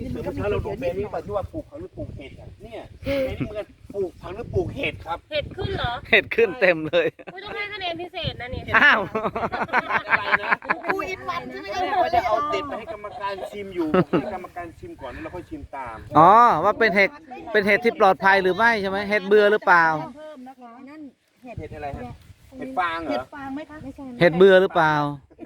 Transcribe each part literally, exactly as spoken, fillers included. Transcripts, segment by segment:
นี่มันก็ถ้าเราดูแปลงนี้ปัจจุบันปลูกผักหรือปลูกเห็ดอ่ะเนี่ยแปลงนี้มันปลูกผักหรือปลูกเห็ดครับเห็ดขึ้นเหรอเห็ดขึ้นเต็มเลยไม่ต้องให้คะแนนพิเศษนะนี่อ้าวอะไรนะกูอินมันใช่ไหมผมก็จะเอาเด็ดไปให้กรรมการชิมอยู่ให้กรรมการชิมก่อนแล้วเราค่อยชิมตามอ๋อว่าเป็นเห็ดเป็นเห็ดที่ปลอดภัยหรือไม่ใช่ไหมเห็ดเบื่อหรือเปล่าเพิ่มนะคะนั่นเห็ดเห็ดอะไรฮะเห็ดฟางเหรเห็อดฟางไหมคะไม่ใช่เห็ดเบื่อหรือเปล่า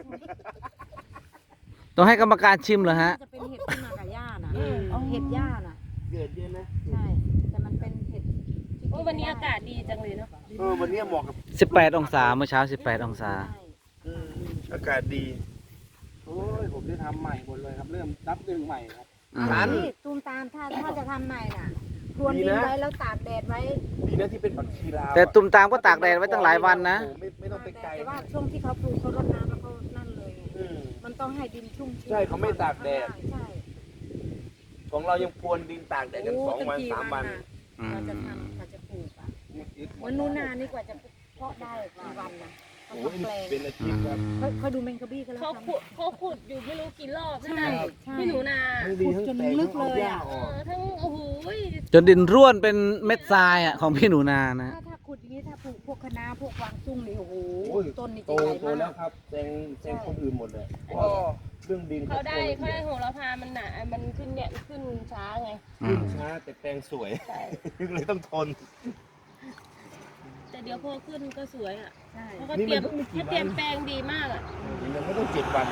ต้องให้กรรมการชิมเหรอฮะจะเป็นเห็ดที่มากับหญ้าน่ะเห็ดหญ้าน่ะเกิดเยอะนะใช่แต่มันเป็นเห็ดโอ้วันนี้อากาศดีจังเลยเนาะเออวันนี้เหมาะกับสิบแปดองศาเมื่อเช้าสิบแปดองศาอืมอากาศดีโอ้ยผมได้ทำใหม่หมดเลยครับเริ่มนับหนึ่งใหม่ครับอืมร้านนี่ตูมตามถ้าถ้าจะทำใหม่น่ะพรวนดินไว้แล้วตากแดดไว้ดีนะที่เป็นผักชีลาวแต่ตุ่มตามก็ตากแดดไว้ตั้งหลายวันนะโอ้โหไม่ไม่ต้องไปไกลแต่ว่าช่วงที่เขาปลูกเขารดน้ำแล้วเขานั่นเลยไงอืมมันต้องให้ดินชุ่มชื้นใช่เขาไม่ตากแดดใช่ของเรายังพรวนดินตากแดดกันสองวันสามวันอืมเราจะทำเราจะปลูกอ่ะวันนู้นนานี่กว่าจะเพาะได้กี่วันนะเขาโอ้ยทำแปลงเป็นอาชีพครับเขาเขาดูแมงกะบี้ก็แล้วเขาทำขุดเขาขุดอยู่ไม่รู้กี่รอบใช่นั่นใช่พี่หนูนาทั้งดีทั้งจนแตกลึทั้กงเอาเลยหญ้าอะอเออกอทั้งโอ้โหจนดินร่วนเป็นเม็ดทรายอ่ะของพี่หนูนานะถ้าถ้าขุดอย่างนี้ถ้าปลูกพวกคะน้าพวกกวางตุ้งนี่โอ้โหโอ้ยต้นนี่โตจะใหญ่โตมาแล้วกครับแซงแซงคนอื่นหมดเลยเพราะเรื่องดินเขาได้โตเขาได้โหระพามันหนามันขึ้นเนี่ยขึ้นช้าไงขึ้นช้าแต่แปลงสวยใช่เลยต้องทนแต่เดี๋ยวพอขึ้นก็สวยอ่ะใช่เพราะเขานี่เตรียมมันเพิ่งไม่กี่เขาเตรียมวันแปลงดีมากอ่ะยังไม่ต้องเจ็ดวัน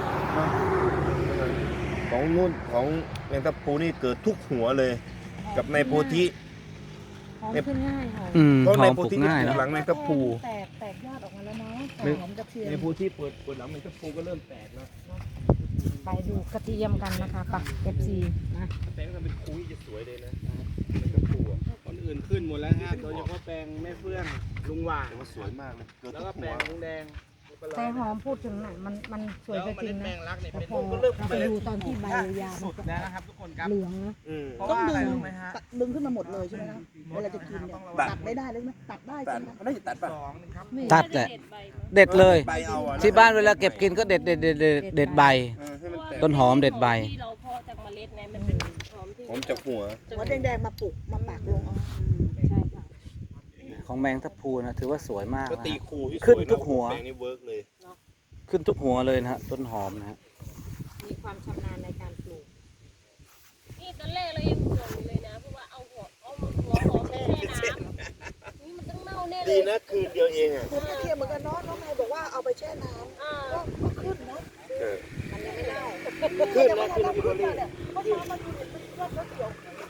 ของนู่นของแมงทับพลูนี่เกิดทุกหัวเลย กับในโพธิหอมขึ้นง่ายหอมอืมเพราะหในอมโพปลูกธิง่ายจะนะหลังแมงทับพลูแตกแตกยอดออกมาแล้วเนาะไม่หอมกระเทียมในโพธิเปิดเปิดหลังแมงทับพลูก็เริ่มแตกแล้วไปดูกระเทียมกันนะคะปะเอฟซีนะแปลงมันเป็นคุยจะสวยเลยนะแมงทับพลูอะคนอื่นขึ้นหมดแล้วฮะโดยเฉพาะแปลงแม่เฟื่องลุงหว่างแต่ว่าสวยมากเลยเกิดแล้วทุก็กแปลหัวงลุงแดงแต่หอมพูดถึงน่ะมันมันสวยแล้วก็เมจริล็งดแมนะงลักเนี่ยแต่เป็นพอก็เริ่มเราไปดูตอนที่ใบยาวๆสุมันดก็แล้วนะครับทุกคนครับเหลืองนะอืมเพราะว่าอะไรรู้ไหมฮะดึงขึ้นมาหมดเลยใช่ไหมครับเวลาจะกินเนี่ยตัดไม่ได้เลยไหมตัดได้ตัใช่ดไหมเขาน่าจะตัดป่ะสองนะครับตัดแหละเด็ดใบมาเด็ดเลยใบเอาอะที่บ้านเวลาเก็บกินก็เด็ดเด็ดเด็ดเด็ดเด็ดใบเออให้มันแตกต้นหอมเด็ดใบที่เราเพาะจากเมล็ดไงมันเป็นหอมที่หอมจากหัวหัวแดงๆมาปลูกมาปากลงเอาใช่ค่ะของแมงทับพลูนะถือว่าสวยมากก็นะตีฮะคูที่ขึ้นสวยะทุกหัวแปลงนี้เวิร์กเลยขึ้นทุกหัวเลยนะฮะต้นหอมนะฮะมีความชำนาญในการปลูกนี่ตอนแรกเรายังห่วงอยู่เลยนะเพราะว่าเอาหัวเอาหัวหอมไปแช่น้ำนี่มันต้องเน่าแน่เลดียนะคืนเดียวเองอ่ะปลูกกระเทียมเหมือนกันเนาะน้องแม่บอกว่าเอาไปแช่น้อ่าำก็ก็ขึ้นนะเออมันยังไม่ได้ขึ้นแต่นะว่าขึ้นเราที่ขึ้โรนลี่มาเนี่ยเพราะน้ำมันอยู่ในต้นเขียว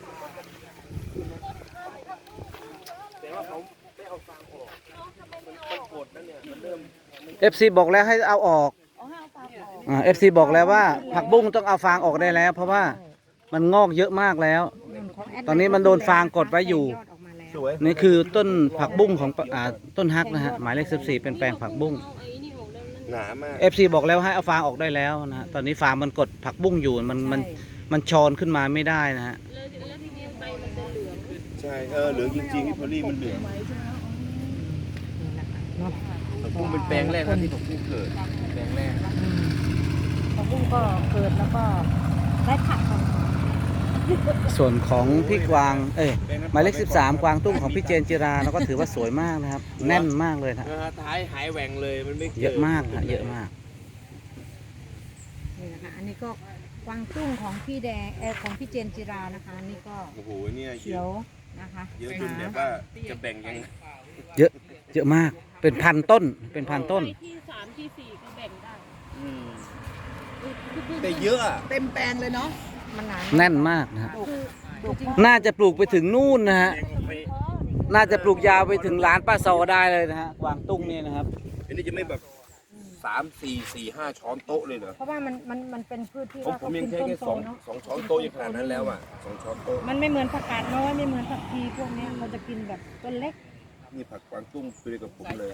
แต่ว่าเขาไม่เอาฟางออกมันกดนั่นเนี่ยมันเริ่มเอฟซีบอกแล้วให้เอาออกเอาให้เอาตามออกอ่าเอฟซีบอกแล้วว่าผักบุ้งต้องเอาฟางออกได้แล้ว เพราะว่ามันงอกเยอะมากแล้วของแดตอนนี้มันโดนฟางกดไว้อยู่ยอดออกมาแล้วสวยนี่คือต้นผักบุ้งของอ่าต้นฮักนะฮะหมายเลขสิบสี่เป็นแปลงผักบุ้งเอาไอ้นี่ออกแล้วนั่นหนามากเอฟซีบอกแล้วให้เอาฟางออกได้แล้วนะฮะตอนนี้ฟางมันกดผักบุ้งอยู่มันมันมันชอนขึ้นมาไม่ได้นะฮะแล้วแล้วทีนี้ใบมันจะเหลืองใช่เออเหลืองจริงๆที่พอลี่มันเหลืองนี่นะคะเนาะผักบุ้งเป็นแปลงแรกนะที่ผักบุ้งเกิดแปลงแรกผักบุ้งก็เกิดแล้วก็ได้ผักของส่วนของพี่กวางเอ้ยหมายเลขสิบสามกวางตุ้งของพี่เจนจิราเราก็ถือว่าสวยมากนะครับ แน่นมากเลยนะนะฮะท้ายหายแหว่งเลยมันไม่เยอะมากนะเยอะมากนี่นะคะอันนี้ก็กวางตุ้งของพี่แดงเออของพี่เจนจิรานะคะอันนี่ก็โอ้โหเนี่ยเขียวนะคะเยอะจนแบบว่าจะแบ่งยังไงเยอะเยอะมากเป็นพันต้นเป็นพันต้นใบที่สามที่สี่ก็แบ่งได้อืมแต่เยอะอะเต็มแปลงเลยเนาะมันหนาแน่นมากนะฮะคือจริงน่าจะปลูกไปถึงนู่นนะฮะน่าจะปลูกยาวไปถึงร้านป้าซอได้เลยนะฮะกวางตุ้งนี่นะครับอันนี้จะไม่แบบสามสี่สี่ห้าช้อนโต๊ะเลยเหรอเพราะว่ามันมันมันเป็นพืชที่ผมว่าผเขามยักิงนแค่ต้นแค่โตสองเนาะสองช้อนโต๊ะยังขนาดนั้นแล้วอ่ะสองช้อนโต๊ะมันไม่เหมือนผักกาดน้อยไม่เหมือนผักชีพวกเนี้ยเราจะกินแบบต้นเล็กนี่ผักกวางตุ้งคือกับผมเลย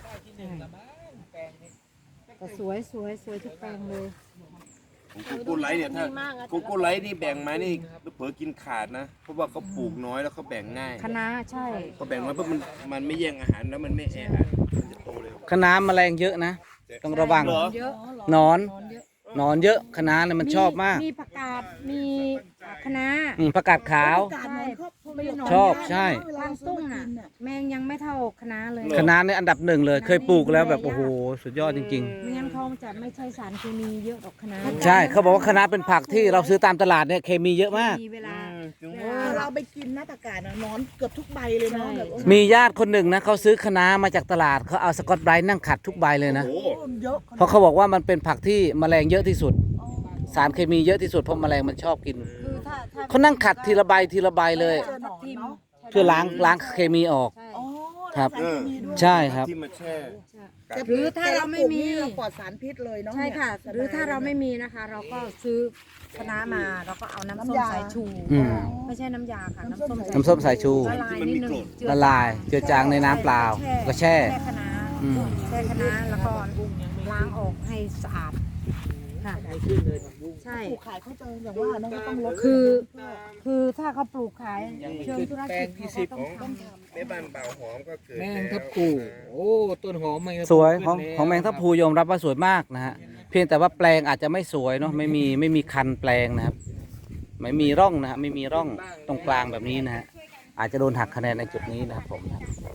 แต่สวยสวยสวยทุกแปลงเลยผมกูกูไลท์เนี่ยถ้ากูกูไลท์นี่แบ่งมานี่เผลอกินขาดนะ เพราะว่าเขาปลูกน้อยแล้วเขาแบ่งง่ายคะน้าใช่เขาแบ่งน้อยเพราะมันมันไม่แย่งอาหารแล้วมันไม่แออัดมันจะโตเร็วคะน้าแมลงเยอะนะต้องระวังเหรอเยอะหนอนนอนเยอะเอหนอนเยอะคะน้าเนี่ยมันชอบมากมีผักกาดมีคะน้าอืมผักกาดขาวกาดนอนครอบครัวไม่ได้นนชอบใช่เวลทางซื้อตุ้งมาอ่ะกินน่ะแมงยังไม่เท่าคะน้าเลยคะน้าเนี่ยอันดับหนึ่งเลยเคยปลูกแล้วแบบโอ้โหสุดยอดจริงไม่งั้นเขาจะไม่ใช่สารเคมีเยอะดอกคะน้าๆ ใช่เขาบอกว่าคะน้าเป็นผักที่เราซื้อตามตลาดเนี่ยเคมีเยอะมากมีเวลาถึงเวเอลาอเราไปกินนะผักกาดน่ะนอนเกือบทุกใบเลยเนาะแบบโอ้โหมีญาติคนหนึ่งนะเขาซื้อคะน้ามาจากตลาดเขาเอาสกอตไบรท์นั่งขัดทุกใบเลยนะโอ้โหเยอะเพราะเขาบอกว่ามันเป็นผักที่แมลงเยอะที่สุด สารเคมีเยอะที่สุดเพราะแมลงมันชอบกินคือถ้าถ้าเขานั่งขัดทีละใบทีละใบเลยเจอหนอนเนาะเพื่อล้างล้างเคมีออกใช่อ๋อครับสารเคมีด้วยใช่ครับที่มาแช่แต่หรือถ้าเราไม่มีแต่ละปลูกนี่เราปลอดสารพิษเลยเนาะใช่ค่ะนี่ยหรือถ้าเราไม่มีนะคะ เราก็ซื้อคะน้ามาเราก็เอาน้ำส้มน้ำยาสายชูอืมไม่ใช่น้ำยาค่ะ น้ำส้มน้ำส้มสายชูละลายนิดนึงเจือละลายเจือจางในน้ำเปล่าก็แช่แช่คะน้าอืมแช่คะน้าแล้วก็ล้างออกให้สะอาดค่ะใช่ปลูกขายเขาเจออย่างว่าน้องก็ต้องลดคือ คือถ้าเขาปลูกขายเชิงธุรกิจเขาก็ต้องทำแม่บ้านเป่าหอมก็เกิดแมงล้วทับกูโอ้ต้นหอมแมงทับพลูสวยของขึ้นแล้วของแมงทับพลูยอมรับว่าสวยมากนะฮะเพียงแต่ว่าแปลงอาจจะไม่สวยเนาะไม่มีไม่มีคันแปลงนะครับ ไม่มีร่องนะฮะไม่มีร่องตรงกลางแบบนี้นะฮะอาจจะโดนหักคะแนนในจุดนี้นะครับผมนะ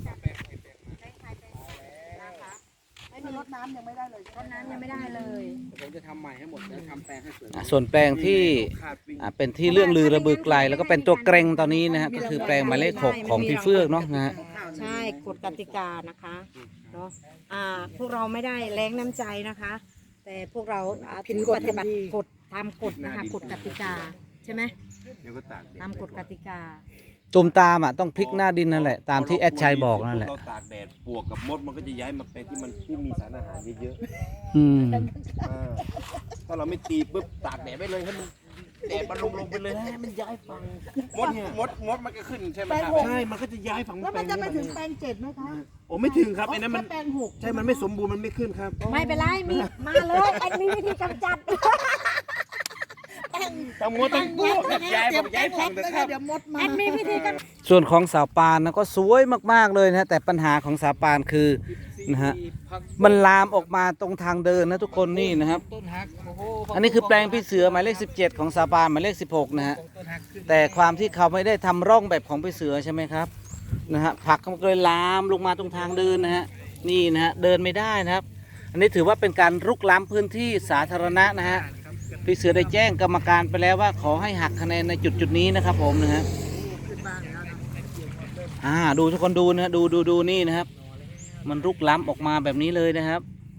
ไม่มีรดน้ำยังไม่ได้เลยต้นน้ำยังไม่ได้เลยผมจะทำใหม่ให้หมดแล้วทำแปลงให้สวยอ่ะส่วนแปลงที่อ่ะเป็นที่เรื่องลือระบือไกล แล้วก็เป็นตัวเกรงตอนนี้นะฮะก็คือแปลงหมายเลขหกของพี่เฟื่องเนาะนะฮะใช่กฎกติกานะคะเนาะอ่าพวกเราไม่ได้แรงน้ำใจนะคะ แต่พวกเราอ่าถือปฏิบัติกฎตามกฎนะคะกฎกติกาใช่ไหมเดี๋ยวก็ตากแดดตามกฎกติกาตุ่มตามอ่ะต้องพลิกหน้าดินนั่นแหละตามที่แอดชัยบอกนั่นแหละเราตากแดดปลวกกับมดมันก็จะย้ายมาแปลงที่มันที่มีสารอาหารเยอะอืมๆอ่าถ้าเราไม่ตีปุ๊บตากแดดไปเลยให้มันแดดมันลงลงไปเลยให้มันย้ายฝั่งมดมดมดมันก็ขึ้นใช่ไหมครับใช่มันก็จะย้ายฝั่งแล้วมันจะไปถึงแปลงเจ็ดไหมคะโอ้ไม่ถึงครับไอ้นั้นมันแค่แปลงหกใช่มันไม่สมบูรณ์มันไม่ขึ้นครับไม่เป็นไรมีมาเลยแอดมีวิธีกำจัดทั้งมดทั้งพวกย้ายฝั่งย้ายฝั่งแล้นะวครับเดี๋ยวมดมาแอดมีวิธีกำส่วนของสาวปานนะก็สวยมากๆเลยนะฮะแต่ปัญหาของสาวปานคือนะฮะมันลามออกมาตรงทางเดินนะทุกคนนี่นะครับต้นฮักโอ้โหอันนี้คือแปลงพี่เสือหมายเลขสิบเจ็ดของสาวปานหมายเลขสิบหกนะฮะต้นฮักขึ้นแต่ความที่เขาไม่ได้ทำร่องแบบของพี่เสือใช่ไหมครับนะฮะผักมันก็เลยลามลงมาตรงทางเดินนะฮะนี่นะฮะเดินไม่ได้นะครับ อันนี้ถือว่าเป็นการรุกล้ำพื้นที่สาธารณะนะฮะพี่เสือได้แจ้งกรรมการไปแล้วว่าขอให้หักคะแนนในจุดจุดๆนี้นะครับผมนะฮะอ่าดูทุกคนดูนะฮะดูดูดูนี่นะครับ มันรุกล้ำออกมาแบบนี้เลยนะครับ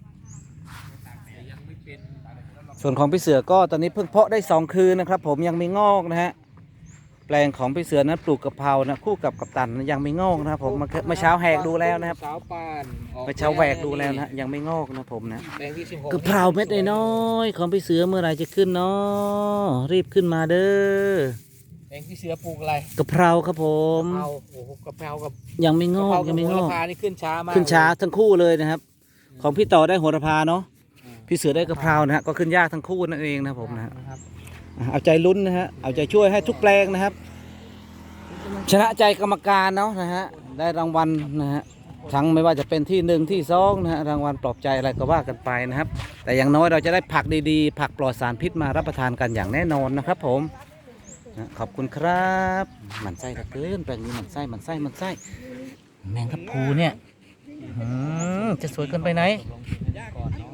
ส่วนของพี่เสือก็ตอนนี้เพิ่งเพาะได้สองคืนนะครับ ผมยังไม่งอกนะฮะแปลงของพี่เสือนั้นปลูกกะเพรานะคู่กับกัปตันนะยังไม่งอกนะครับผมเมื่อเมื่อเช้าแหกดูแล้วนะครับสาวปานออกเมื่อเช้าแหวกดูแล้วนะฮะยังไม่งอกนะผมนะแปลงที่สิบหกกะเพราเม็ดน้อยๆของพี่เสือเมื่อไหรจะขึ้นเนาะรีบขึ้นมาเด้อแปลงที่เสือปลูกอะไรกะเพราครับผมกะเพราโอ้โหกะเพรากับยังไม่งกะอเพกรายักับงไม่โหงระอกพานี่ขึ้นช้ามากขึ้นช้าทั้งคู่เลยนะครับ ของพี่ต่อได้โหระพาเนาะพี่เสือได้กะเพรานะฮะก็ขึ้นยากทั้งคู่นั่นเองนะครับผมนะฮะนะครับอ่ะเอาใจลุ้นนะฮะเอาใจช่วยให้ทุกแปลงนะครับ ชนะใจกรรมการเนาะนะฮะได้รางวัลนะฮะทั้งไม่ว่าจะเป็นที่หนึ่งที่สองนะฮะรางวัลปลอบใจอะไรก็ว่ากันไปนะครับ แต่อย่างน้อยเราจะได้ผักดีๆ ผักปลอดสารพิษมารับประทานกันอย่างแน่นอนนะครับผมนะขอบคุณครับหมันไส้เหลือเกินแปลงนี้หมันไส้หมันไส้หมันไส้แมงทับพลูเนี่ยอืมจะสวยเกินไปไหนก่อนเนาะ